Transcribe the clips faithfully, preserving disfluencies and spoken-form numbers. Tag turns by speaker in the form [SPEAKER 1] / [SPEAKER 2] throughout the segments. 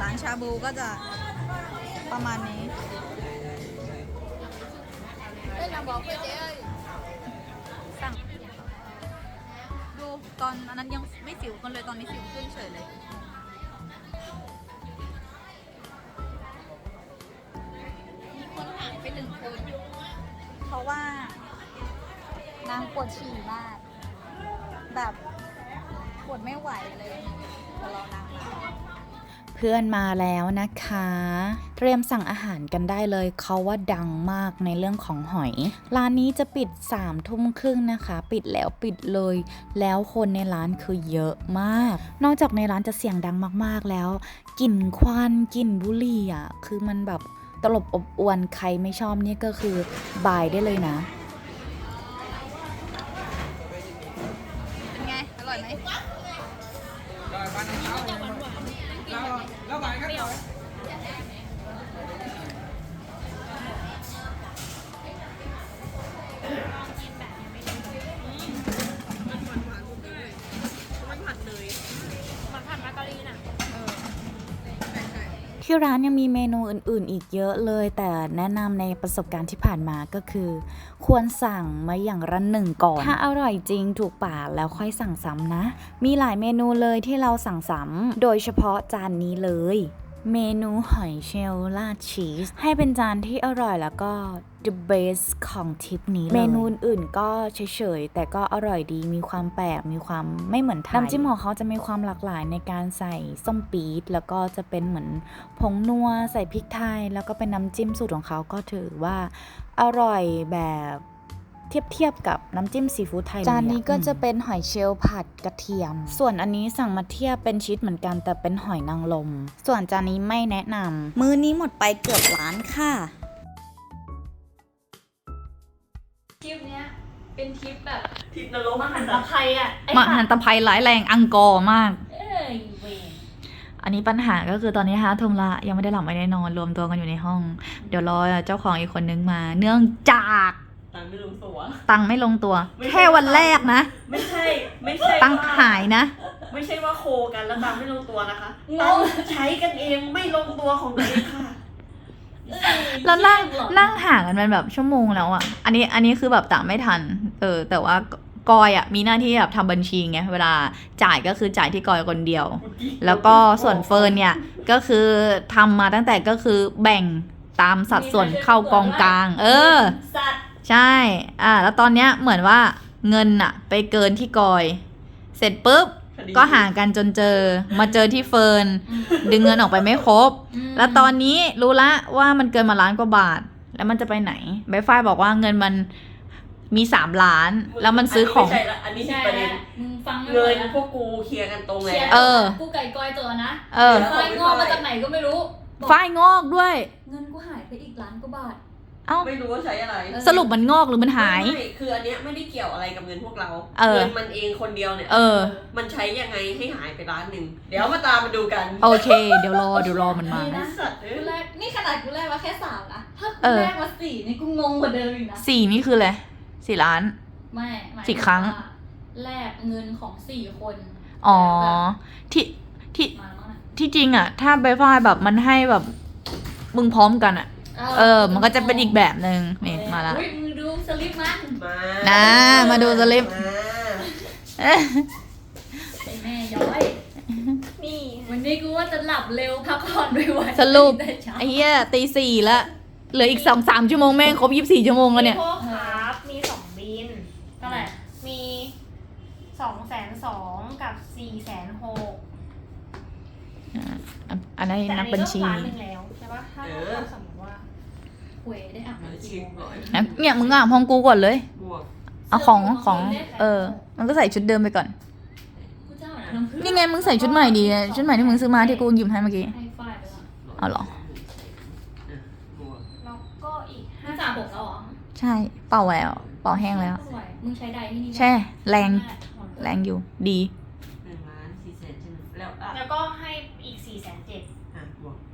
[SPEAKER 1] ร้านชาบูก็จะประมาณนี้สั่งดูตอนอันนั้นยังไม่สิวกันเลยตอนนี้สิวขึ้นเฉยเลยมีคนหายไปหนึ่งคนเพราะว่านางปวดฉี่มากแบบปวดไม่ไหวเลยจะรอนางมา
[SPEAKER 2] เพื่อนมาแล้วนะคะ เตรียมสั่งอาหารกันได้เลยเขาว่าดังมากในเรื่องของหอยร้านนี้จะปิดสามทุ่มครึ่งนะคะปิดแล้วปิดเลยแล้วคนในร้านคือเยอะมากนอกจากในร้านจะเสียงดังมากๆแล้วกลิ่นควันกลิ่นบุหรี่อ่ะคือมันแบบตลบอบอวนใครไม่ชอบนี่ก็คือบายได้เลยนะ
[SPEAKER 1] เป็นไงอร่อยไหม
[SPEAKER 3] แล้วไปกันต่อ
[SPEAKER 2] ที่ร้านยังมีเมนูอื่นๆอีกเยอะเลยแต่แนะนำในประสบการณ์ที่ผ่านมาก็คือควรสั่งมาอย่างละหนึ่งก่อนถ้าอร่อยจริงถูกปากแล้วค่อยสั่งซ้ำนะมีหลายเมนูเลยที่เราสั่งซ้ำโดยเฉพาะจานนี้เลยเมนูหอยเชลล์ราดชีสให้เป็นจานที่อร่อยแล้วก็ the best ของทริปนี้เลยเมนูอื่นก็เฉยๆแต่ก็อร่อยดีมีความแปลกมีความไม่เหมือนไทยน้ำจิ้มของเขาจะมีความหลากหลายในการใส่ส้มปี๊ดแล้วก็จะเป็นเหมือนผงนัวใส่พริกไทยแล้วก็เป็นน้ำจิ้มสูตรของเขาก็ถือว่าอร่อยแบบเทียบเทียบกับน้ำจิ้มซีฟู้ดไทยจานนี้ก็จะเป็นหอยเชลล์ผัดกระเทียมส่วนอันนี้สั่งมาเทียบเป็นชีสเหมือนกันแต่เป็นหอยนางรมส่วนจานนี้ไม่แนะนำมื้อนี้หมดไปเกือบล้านค่ะ
[SPEAKER 4] ทริปเนี้ยเป็นทริปแบบ
[SPEAKER 3] ทริปนรก
[SPEAKER 4] มหันตภัยอ่ะ
[SPEAKER 1] มหันตภัยร้ายแรงอังกอร์มาก
[SPEAKER 4] เอ้ยเวร
[SPEAKER 1] อันนี้ปัญหาก็คือตอนนี้ห้าทุ่มละยังไม่ได้หลับไม่ได้นอนรวมตัวกันอยู่ในห้องเดี๋ยวรอเจ้าของอีกคนนึงมาเนื่องจาก
[SPEAKER 3] ตังไม่ลงตัว
[SPEAKER 1] ตังไม่ลงตัวแค่วันแรกนะ
[SPEAKER 3] ไม่ใช่ไม่ใช่
[SPEAKER 1] ตังหายนะ
[SPEAKER 3] ไม่ใช่ว่าโคกันแล้วตังไม่ลงตัวนะคะตังใช้กันเองไม่ลงตัวของตัวเองค่ะ
[SPEAKER 1] แล้วนั่งนั่งห่างกันเป็นแบบชั่วโมงแล้วอ่ะอันนี้อันนี้คือแบบตามไม่ทันเออแต่ว่ากอยอ่ะมีหน้าที่แบบทำบัญชีไงเวลาจ่ายก็คือจ่ายที่กอยคนเดียวแล้วก็ส่วนเฟิร์นเนี่ยก็คือทำมาตั้งแต่ก็คือแบ่งตามสัดส่วนเข้ากองกลางเออใช่อ่าแล้วตอนเนี้ยเหมือนว่าเงินอะไปเกินที่กอยเสร็จปุ๊บก็ห่างกันจนเจอมาเจอที่เฟิร์นดึงเงินออกไปไม่ครบแล้วตอนนี้รู้ละว่ามันเกินมาล้านกว่าบาทแล้วมันจะไปไหนใบฝ้ายบอกว่าเงินมันมีสามล้านแล้วมันซื้อของ
[SPEAKER 3] ไม่ใช่ละอันนี้ผิดประเด็น
[SPEAKER 4] มึงฟัง
[SPEAKER 3] เงินพวกกูเคลียร์กันตรงแล้ว
[SPEAKER 1] เออ
[SPEAKER 4] กูไก่กอยตัวนะ
[SPEAKER 1] เออ
[SPEAKER 4] ฝ้ายงอกมาจากไหนก็ไม่รู้
[SPEAKER 1] ฝ้ายงอกด้วย
[SPEAKER 4] เงินกูหายไปอีกล้านกว่าบาท
[SPEAKER 1] เอ้า
[SPEAKER 3] ไม่รู้ว่าใช้อะไร
[SPEAKER 1] สรุปมันงอกหรือมันหาย
[SPEAKER 3] ไม่คืออันเนี้ยไม่ได้เกี่ยวอะไรกับเงินพวกเรา
[SPEAKER 1] เงิ
[SPEAKER 3] นมันเองคนเดียวเนี่ย
[SPEAKER 1] เออ
[SPEAKER 3] มันใช้ยังไงให้หายไปล้านหนึ่งเดี๋ยวมาตามมาดูกัน
[SPEAKER 1] โอเคเดี๋ยวรอเดี๋ยวรอมันมา
[SPEAKER 4] กูแรกนี่ขนาดกูแรกมาแค่สามนะถ้ากูแรกมาสี่นี่กูงงกว่าเดิมอีกนะ
[SPEAKER 1] สี่นี่คืออะไรสี่ล้าน
[SPEAKER 4] ไม่
[SPEAKER 1] สี่ครั้ง
[SPEAKER 4] แลกเงินของสี่คน
[SPEAKER 1] อ๋อที่ที่ที่จริงอ่ะถ้าใบฝ้ายแบบมันให้แบบมึงพร้อมกันอ่ะเออมันก็จะเป็นอีกแบบนึงนี่มาละ
[SPEAKER 4] มึงดูสลิปมัน
[SPEAKER 3] มา
[SPEAKER 1] นะมาดูสลิป
[SPEAKER 4] ไอ้แม่ย้อยนี่วันนี้กูว่าจะหลับเร็วพักผ่อนไม่ไหว
[SPEAKER 1] สรุปไอ้เหี้ยตีสี่ละเหลืออีกสองสามชั่วโมงแม่งครบยี่สิบสี่ชั่วโมงแล้วเนี่ย
[SPEAKER 5] พ่อครับมีสองบิน
[SPEAKER 4] เท่าไหร่
[SPEAKER 5] มีสองแสนสองกับสี่แสนหก
[SPEAKER 1] อันนั้นนับบัญชี
[SPEAKER 5] แต่อันนี้ก็ล้านหนึ่งแล้วใช่ปะถ้าเราสมมติว่า
[SPEAKER 4] หวยได้อ่ะ
[SPEAKER 1] เนี่ยมึงอ่ะห้องกูก่อนเลยเอาของของเออมันก็ใส่ชุดเดิมไปก่อนนี่ไงมึงใส่ชุดใหม่ดีชุดใหม่ที่มึงซื้อมาที่กูหยิบให้เมื่อกี้เอาหรอ
[SPEAKER 5] แล้วก็อีก
[SPEAKER 4] ห้าสามหกแล้วเหรอ
[SPEAKER 1] ใช่เป่าแล้วเป่าแห้งแล้ว
[SPEAKER 4] มึงใช้ใดที่นี่
[SPEAKER 1] ใช่แรงแรงอยู่ดี
[SPEAKER 3] หนึ่งล้านสี่แสนใช่ไหมแล้ว
[SPEAKER 5] แล้วก็ให้อีกสี่แสนเจ็ด
[SPEAKER 3] อ่ะบวก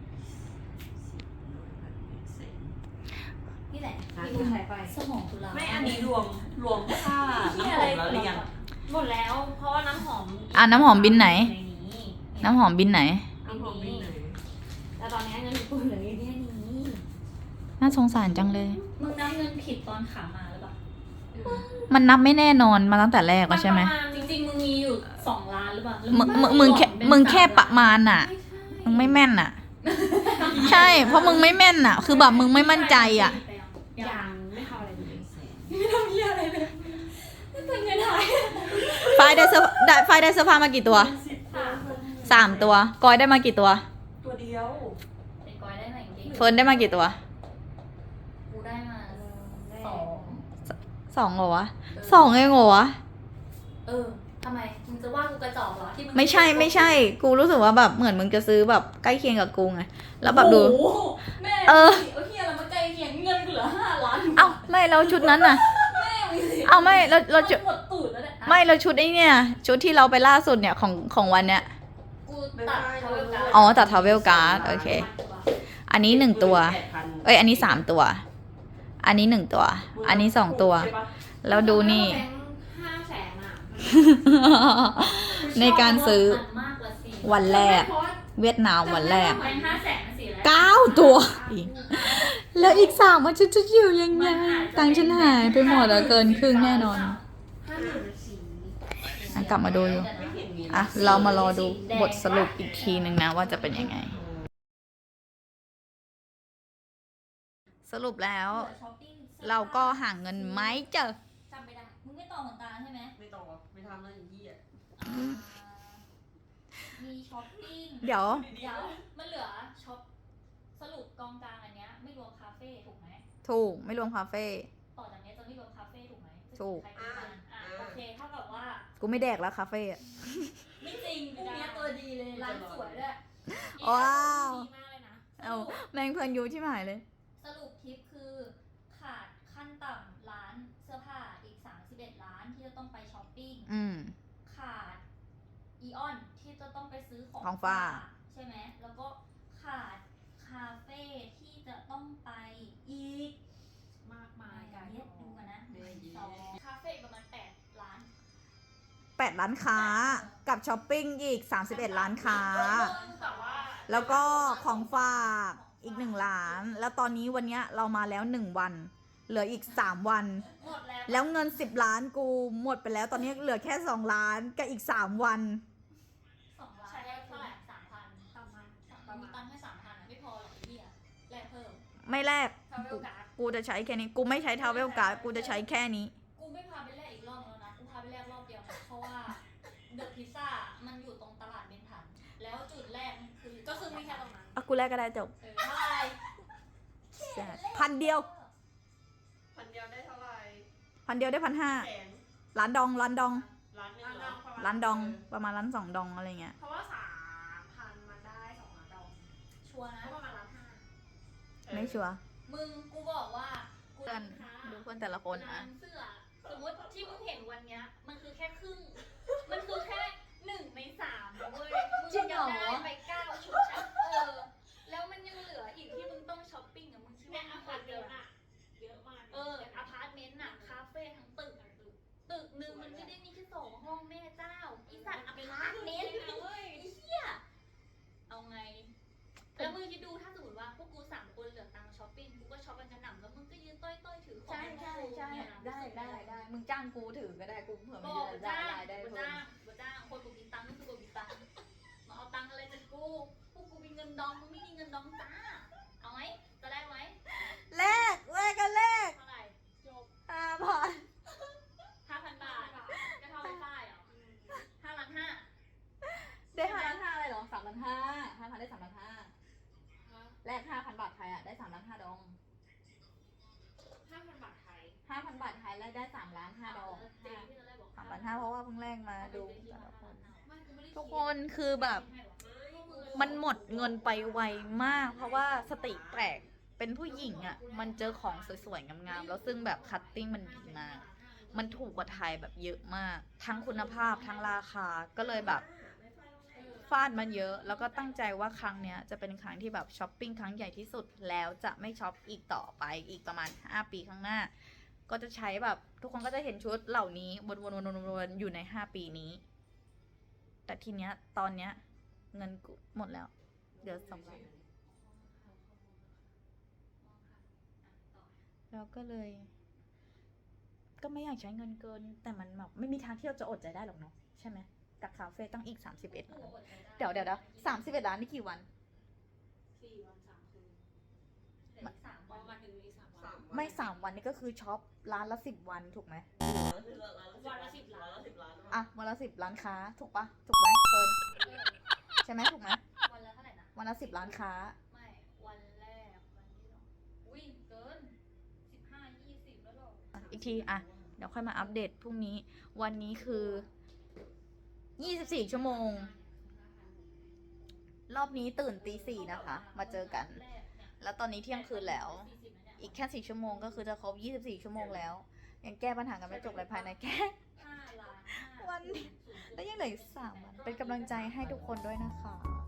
[SPEAKER 4] นี่แหละที่กูหายไปสมองตุลา
[SPEAKER 3] ไม่อันนี้รวมรวมค่าน้ำหอมแล้วหรือยัง
[SPEAKER 5] หมดแล้วเพราะว่าน้ำหอม
[SPEAKER 1] อ่ะน้ำหอมบินไหนน้ำหอมบินไหน
[SPEAKER 3] น้ำหอมบินไหน
[SPEAKER 4] กูเหลือแค่นี้
[SPEAKER 1] น่าสงสารจังเลย
[SPEAKER 4] มึงนับเงินผิดตอนขามาหรือเปล่า
[SPEAKER 1] มันนับไม่แน่นอนมาตั้งแต่แรกแล้วใช่ไหม
[SPEAKER 4] จริงๆมึงมีอยู่สองล้านหรือเปล่าแล้ว
[SPEAKER 1] มึงมึงมึงแค่มึงแค่ประมาณน่ะ มึงไม่แม่นน่ะ ใช่ เพราะมึงไม่แม่นน่ะ คือแบบมึงไม่มั่นใจอ่ะ
[SPEAKER 3] ยังไม่เข้าอะไรเลย
[SPEAKER 4] ไม่ทำเหี้ยอะไรเลยไม่เป็นเงินหาย
[SPEAKER 1] ไฟล์ได้เสื้อได้ไฟล์ได้เสื้อผ้ามากี่ตัว สามตัว กอยได้มากี่ตัว
[SPEAKER 3] ตัวเดียว
[SPEAKER 4] ไอ้กอยได้ไหนจริง
[SPEAKER 1] เฟิร์นได้มากี่ตัว
[SPEAKER 4] กูได้มาสอง
[SPEAKER 1] สองเหรอวะสองเองเหรอวะ
[SPEAKER 4] เออทำไมมึงจะว่ากูกระจอกเหรอที่มึง
[SPEAKER 1] ไม่ใช่ไม่ใช่ กูรู้สึกว่าแบบเหมือนมึงจะซื้อแบบใกล้เคียงกับกูไง แล้วแบบดู
[SPEAKER 4] โอ้โหแม่
[SPEAKER 1] เออ
[SPEAKER 4] เอาเฮียอะไรมาใกล้เคียงเงินกูเหลือห้าล้าน
[SPEAKER 1] เอ้าไม่แล้วชุดนั้นน่ะ
[SPEAKER 4] แม่มึงสิ
[SPEAKER 1] เอ้าไม่แล้วเราชุด
[SPEAKER 4] หมดตูดแล้วเนี่ย
[SPEAKER 1] ไม่แล้วชุดไอ้เนี่ยชุดที่เราไปล่าสุดเนี่ยของของวันเนี้ย
[SPEAKER 4] กูตัดทาวเวลการ์ด
[SPEAKER 1] อ๋อตัด travel card โอเค อันนี้หนึ่งตัว เอ้ยอันนี้สามตัว อันนี้หนึ่งตัว อันนี้สองตัว แล้วดูนี่
[SPEAKER 5] แบงค์ห้าแสนอ่ะ
[SPEAKER 1] ในการซื้อ
[SPEAKER 4] มันมากกว่าสี่
[SPEAKER 1] วันแรก
[SPEAKER 5] เพราะว่า
[SPEAKER 1] เวียดนามวันแรก
[SPEAKER 4] แบงค์ห้าแสนมันสี่แล้ว
[SPEAKER 1] เก้าตัวอีกแล้วอีกสามมันจะจะอยู่ยังไงตังค์ฉันหายไปหมดอะเกินครึ่งแน่นอน
[SPEAKER 5] ห้าหมื่นสี่
[SPEAKER 1] อ่ะกลับมาดูอยู่
[SPEAKER 3] ไม่เห็นมี
[SPEAKER 1] อ่ะ เรามารอดูบทสรุปอีกทีหนึ่งนะว่าจะเป็นยังไง สรุปแล้ว เราก็ห่างเงินไหมเจอ
[SPEAKER 4] จำไม่ได้ มึงไม่ต่อเหมือนตาใช่ไหม
[SPEAKER 3] ไม่ต้องไม่ทำแล้วอย่างนี้อ่ะ
[SPEAKER 4] อ่ามีช้อปปิ้ง
[SPEAKER 1] เดี๋ยว
[SPEAKER 4] เดี๋ยวมันเหลือช็อปสรุปกองกลางอันเนี้ยไม่รวมคาเฟ่ถูกไหม
[SPEAKER 1] ถูกไม่รวมคาเฟ่
[SPEAKER 4] ต่อจากเนี้ยจะไม่รวมคาเฟ่ถูกไหม
[SPEAKER 1] ถูก
[SPEAKER 4] ใครเป็นมันอ่ะโอเคเท่ากับว่า
[SPEAKER 1] กูไม่แดกแล้วคาเฟ่อะ
[SPEAKER 4] ไม่จริงพวกเนี้ยตัวดีเลยร้านสวยด้วย
[SPEAKER 1] ว้าว
[SPEAKER 5] ดีมากเลยนะ
[SPEAKER 1] เอาแมงเพลินยูที่หมายเลย
[SPEAKER 4] สรุปทริปคือขาดขั้นต่ำร้านเสื้อผ้าอีกสามสิบเอ็ดร้านที่จะต้องไปช้อปปิ้ง
[SPEAKER 1] อืม
[SPEAKER 4] ขาดอีออนที่จะต้องไปซื้อของ
[SPEAKER 1] ของฝาก
[SPEAKER 4] ใช่ไหมแล้วก็ขาดคาเฟ่ที่จะต้องไปอีก
[SPEAKER 5] มากมาย
[SPEAKER 4] กา
[SPEAKER 5] การ
[SPEAKER 4] เย็ดดูกันนะ
[SPEAKER 3] เดี๋ยว
[SPEAKER 4] สองคาเฟ่ประมาณแปดล้าน
[SPEAKER 1] แปดร้านค้ากับช้อปปิ้งอีกสามสิบเอ็ดร้านค้า
[SPEAKER 5] แต่ว่า
[SPEAKER 1] แล้วก็ของฝากอีกหนึ่งล้าน แล้วตอนนี้วันเนี้ยเรามาแล้วหนึ่งวัน เหลืออีกสามวัน
[SPEAKER 4] หมดแล้ว
[SPEAKER 1] แล้วเงินสิบล้านกูหมดไปแล้ว ตอนนี้เหลือแค่สองล้านกับอีกสามวัน
[SPEAKER 4] สองล้านได้เท่าไหร่สามพันประมาณประมาณมีตังค์แค่สามพันไม่พอหรอกไอ้เหี้ยแลกเพิ่ม
[SPEAKER 1] ไม่แลก
[SPEAKER 5] ทาวเวลการ์ด
[SPEAKER 1] กูจะใช้แค่นี้ กูไม่ใช้ทาวเวลการ์ดกูจะใช้แค่นี้
[SPEAKER 4] กูไม่พาไปแลกอีกรอบแล้วนะ กูพาไปแลกรอบเดียวนะเพราะว่าเดอะพิซซ่ามันอยู่ตรงตลาดเบนทัน แล้วจุดแรกมันคือ
[SPEAKER 5] ก็คือมีแค่ตรงนั้น
[SPEAKER 1] อ่ะกูแลกก็ได้จบ
[SPEAKER 4] เออเท่าไหร่
[SPEAKER 1] พันเดียว
[SPEAKER 3] พันเดียวได้เท่าไหร่
[SPEAKER 1] พันเดียวได้พันห้า
[SPEAKER 3] แสน
[SPEAKER 1] ล้านดองล้านดอง
[SPEAKER 3] ล้านหนึงเหรอ
[SPEAKER 1] ล้านดองประมาณล้านสองดองอะไรเงี้ย
[SPEAKER 5] เพราะว่าสามพันมันได้สองล้านดอก
[SPEAKER 4] ชัวร์นะ
[SPEAKER 5] ก็ประมาณล้านห้า
[SPEAKER 1] ไม่ชัวร์
[SPEAKER 4] มึงกูบอกว่ากู
[SPEAKER 1] เพื่อนดูเพื่อนแต่ละคน
[SPEAKER 4] ร้า
[SPEAKER 1] อ่ะ
[SPEAKER 4] นเสื้อ สมมติที่มึงเห็นวันเนี้ย มันคือแค่ครึ่ง มันคือแค่หนึ่งในสามนะเว้ย มึงยังได้ไปเก้าชุดอะเออ แล้วมันยังเหลืออีกที่มึงต้องช้อปปิ้งอะมึงคิด
[SPEAKER 5] ใน
[SPEAKER 4] ว่า
[SPEAKER 5] อา
[SPEAKER 4] มึง
[SPEAKER 5] คาร
[SPEAKER 4] เย
[SPEAKER 5] เดียว
[SPEAKER 4] อะ
[SPEAKER 5] น่ะเยอะมาก
[SPEAKER 4] เอออพาร์ตเมนต์น่ะ คาเฟ่ทั้งตึกอะตึกหนึ่งมันไม่ได้มีแค่สองห้องแม่เจ้า อีสัตว์อพาร์ตเมนต์นะเว้ยไอ้เหี้ย เอาไง แล้วมึงคิดดูถ้าสมมติว่าพวกกูสามคนเหลือตังค์ช้อปปิ้ง กูก็ช้อปกันกระหน่ำแล้วมึงก็ยืนต้อยๆถือของเนี่ยนะ
[SPEAKER 1] มึงจ้างกูถือก็ได้กูเผื่อ
[SPEAKER 4] บอกกูจ้างกูจ้างกูจ้างคนกูมีตังค์ก็คือกูมีตังค์มาเอาตังค์อะไรจากกู พวกกูมีเงินดองมึงไม่มีเงินดองจ้า เอาไหมจะได้ไหม
[SPEAKER 1] แลกแลกกันแลก
[SPEAKER 4] เท่าไหร่
[SPEAKER 5] จบ
[SPEAKER 1] ห้าพัน
[SPEAKER 4] ห้าพันบาทก็เท่าไม่ได้เหรอห้าล้านห้า
[SPEAKER 1] ได้ห้าล้านห้าอะไรหรอสามล้านห้าห้าพันได้สามล้านห้าแลกห้าพันบาทไทยอ่ะได้สามล้านห้าดอง
[SPEAKER 5] ห้าพันบาทไทย
[SPEAKER 1] ห้าพันบาทไทยแลกได้สามล้านห้าดอง
[SPEAKER 4] จริงที่เราได้บอก
[SPEAKER 1] สามล้านห้าเพราะว่าเพิ่งแลกมาดูแต่ละคน
[SPEAKER 4] ไม่กูไม่ได้
[SPEAKER 1] ทุกคนคือแบบ มันหมดเงินไปไวมาก เพราะว่าสติแตกเป็นผู้หญิงอ่ะ มันเจอของสวยๆงามๆแล้วซึ่งแบบคัตติ้งมันดีมาก มันถูกกว่าไทยแบบเยอะมาก ทั้งคุณภาพทั้งราคาก็เลยแบบฟาดมันเยอะ แล้วก็ตั้งใจว่าครั้งเนี้ยจะเป็นครั้งที่แบบช้อปปิ้งครั้งใหญ่ที่สุดแล้วจะไม่ช็อปอีกต่อไปอีกประมาณห้าปีข้างหน้า ก็จะใช้แบบทุกคนก็จะเห็นชุดเหล่านี้วนๆๆๆอยู่ในห้าปีนี้ แต่ทีเนี้ยตอนเนี้ยเงินกูหมดแล้วเดี๋ยวสองล้านแล้วก็เลย ก็ไม่อยากใช้เงินเกิน แต่มันแบบไม่มีทางที่เราจะอดใจได้หรอกเนาะใช่ไหมกับคาเฟ่ตั้งอีกสามสิบเอ็ดล้านเดี๋ยวเดี๋ยวเดี๋ยวสามสิบเอ็ดล้านนี่กี่วัน
[SPEAKER 3] สี่วันสามคืน
[SPEAKER 4] เหลืออีกสาม
[SPEAKER 3] ป
[SPEAKER 4] วั
[SPEAKER 3] ระ
[SPEAKER 4] น
[SPEAKER 3] มาณถึงนี้สามวัน
[SPEAKER 1] ไม่สามวันนี่ก็คือช็อปร้านละสิบวันถูกไหม
[SPEAKER 3] วันละสิบล้านวันละสิบล้าน
[SPEAKER 1] อ่ะวันละสิบร้านค้าถูกปะถูกไหมเฟิร์นใช่ไหมถูกไหม
[SPEAKER 4] วันละเท่าไหร่นะ
[SPEAKER 1] วันละสิบร้านค้า
[SPEAKER 4] ไม่ วันแรก วันที่สองอุ้ย เกินสิบห้ายี่สิบแล้วหรอ
[SPEAKER 1] อ่ะอีกทีอ่ะเดี๋ยวค่อยมาอัปเดตพรุ่งนี้ วันนี้คือยี่สิบสี่ชั่วโมง รอบนี้ตื่นตีสี่นะคะ มาเจอกัน แล้วตอนนี้เที่ยงคืนแล้ว อีกแค่สี่ชั่วโมงก็คือจะครบยี่สิบสี่ชั่วโมงแล้ว ยังแก้ปัญหากันไม่จบเลยภายในแค่
[SPEAKER 4] ห้าล้านห้า
[SPEAKER 1] วัน แล้วยังเหลืออีกสามวัน เป็นกำลังใจให้ทุกคนด้วยนะคะ